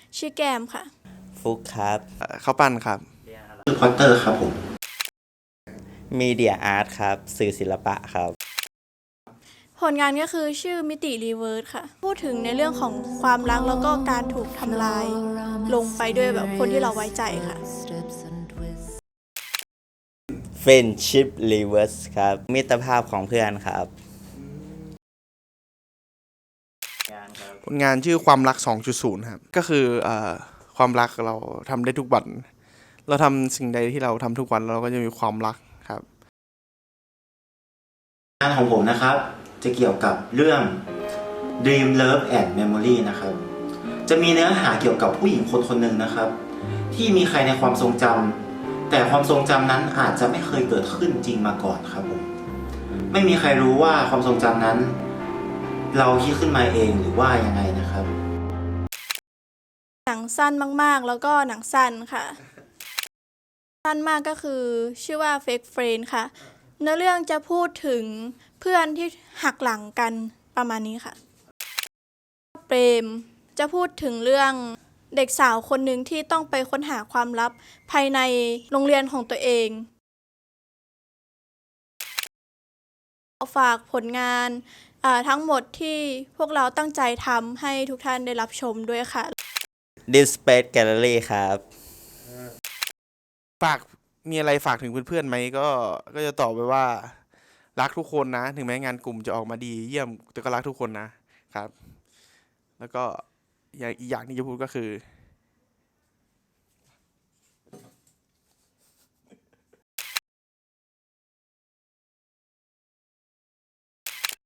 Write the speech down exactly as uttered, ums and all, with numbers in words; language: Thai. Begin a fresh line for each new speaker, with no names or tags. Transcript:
ชื่อแก้มค่ะ
ฟุกครับ
เข้าปั้นครับ
ชื่อพอตเตอร์ครับผม
มีเดียอาร์ตครับสื่อศิลปะครับ
ผลงานก็คือชื่อมิติรีเวิร์สค่ะพูดถึงในเรื่องของความรักแล้วก็การถูกทำลายลงไปด้วยแบบคนที่เราไว้ใจค่ะ
Friendship Reverse ครับมิตรภาพของเพื่อนครับ
ผลงานชื่อความรัก สองจุดศูนย์ ครับก็คือเอ่อความรักเราทำได้ทุกวันเราทำสิ่งใดที่เราทำทุกวันเราก็จะมีความรักครับ
งานของผมนะครับจะเกี่ยวกับเรื่อง Dream Love and Memory นะครับจะมีเนื้อหาเกี่ยวกับผู้หญิงคนคนหนึ่งนะครับที่มีใครในความทรงจำแต่ความทรงจำนั้นอาจจะไม่เคยเกิดขึ้นจริงมาก่อนครับผมไม่มีใครรู้ว่าความทรงจำนั้นเราคิดขึ้นมาเองหรือว่ายังไงนะครับ
หนังสั้นมากๆแล้วก็หนังสั้นค่ะสั้นมากก็คือชื่อว่า Fake Friend ค่ะเนื้อเรื่องจะพูดถึงเพื่อนที่หักหลังกันประมาณนี้ค่ะเปรมจะพูดถึงเรื่องเด็กสาวคนหนึ่งที่ต้องไปค้นหาความลับภายในโรงเรียนของตัวเองฝากผลงานทั้งหมดที่พวกเราตั้งใจทำให้ทุกท่านได้รับชมด้วยค่ะ
This Space Gallery ครับ
ฝากมีอะไรฝากถึงเพื่อนๆไหมก็ก็จะตอบไปว่ารักทุกคนนะถึงแม้งานกลุ่มจะออกมาดีเยี่ยมแต่ก็รักทุกคนนะครับแล้วก็อย่างอีกอย่างที่จะพูดก็คือ